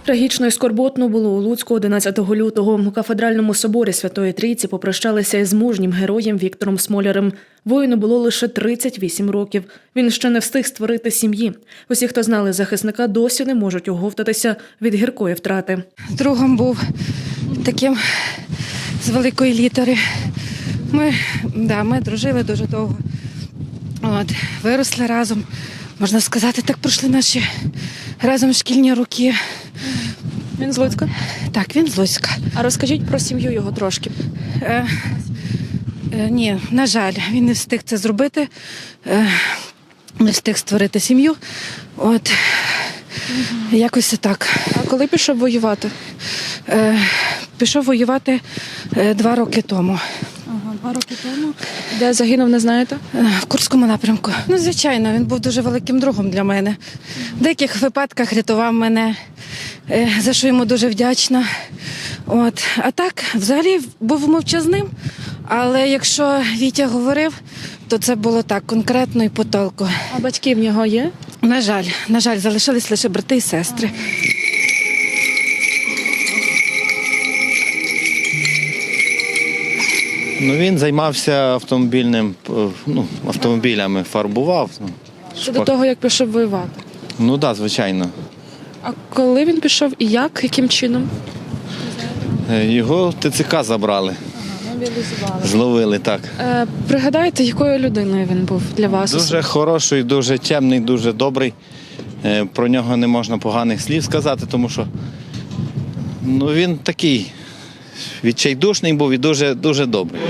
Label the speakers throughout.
Speaker 1: Трагічно і скорботно було у Луцьку 11 лютого. У кафедральному соборі Святої Трійці попрощалися із мужнім героєм Віктором Смолярем. Воїну було лише 38 років. Він ще не встиг створити сім'ї. Усі, хто знали захисника, досі не можуть оговтатися від гіркої втрати.
Speaker 2: Другом був таким з великої літери. Ми дружили дуже довго. Виросли разом. Можна сказати, так пройшли наші разом шкільні роки.
Speaker 1: Він з Луцька?
Speaker 2: Так, він з Луцька.
Speaker 1: А розкажіть про сім'ю його трошки.
Speaker 2: Ні, на жаль, він не встиг це зробити, не встиг створити сім'ю. Якось так.
Speaker 1: А коли пішов воювати?
Speaker 2: Пішов воювати 2 роки тому.
Speaker 1: 2 роки тому. Де загинув, не знаєте?
Speaker 2: В Курському напрямку. Звичайно, він був дуже великим другом для мене. В деяких випадках рятував мене, за що йому дуже вдячна. А так, взагалі, був мовчазним, але якщо Вітя говорив, то це було так, конкретно і по толку.
Speaker 1: А батьки в нього є?
Speaker 2: На жаль, залишились лише брати і сестри.
Speaker 3: Він займався автомобілями, фарбував.
Speaker 1: Ще до того, як пішов воювати?
Speaker 3: Так, звичайно.
Speaker 1: А коли він пішов і як? Яким чином?
Speaker 3: Його в ТЦК забрали.
Speaker 1: Мобілізували.
Speaker 3: Зловили, так.
Speaker 1: Пригадайте, якою людиною він був для вас?
Speaker 3: Дуже хороший, дуже чемний, дуже добрий. Про нього не можна поганих слів сказати, тому що він такий відчайдушний був і дуже, дуже добрий.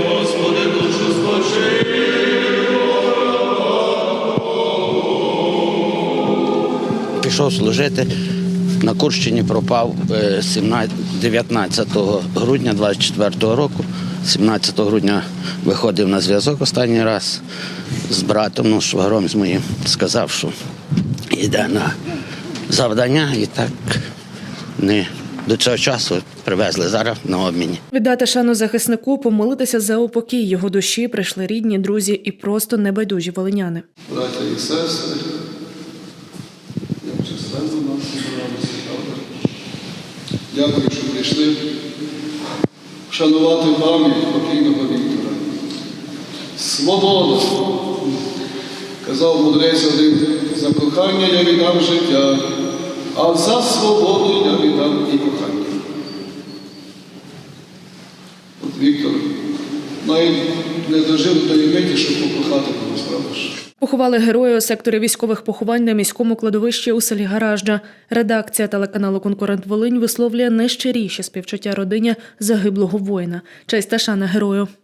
Speaker 4: Пішов служити, на Курщині пропав 19 грудня 24 року. 17 грудня виходив на зв'язок останній раз з братом, швагром з моїм. Сказав, що йде на завдання і так до цього часу привезли зараз на обміні.
Speaker 1: Віддати шану захиснику, помолитися за упокій його душі прийшли рідні, друзі і просто небайдужі волиняни.
Speaker 5: Браття і сестри, як численно нас зібралися, правда? Дякую, що прийшли вшанувати пам'ять покійного Віктора. Свобода! Казав мудрець один, за кохання я віддам життя, а за свободу я віддам і кохання. Віктор навіть не дожив до миті, щоб покохати когось, правда ж?
Speaker 1: Поховали героя у секторі військових поховань на міському кладовищі у селі Гаражджа. Редакція телеканалу «Конкурент Волинь» висловлює найщиріші співчуття родині загиблого воїна. Честь та шана герою.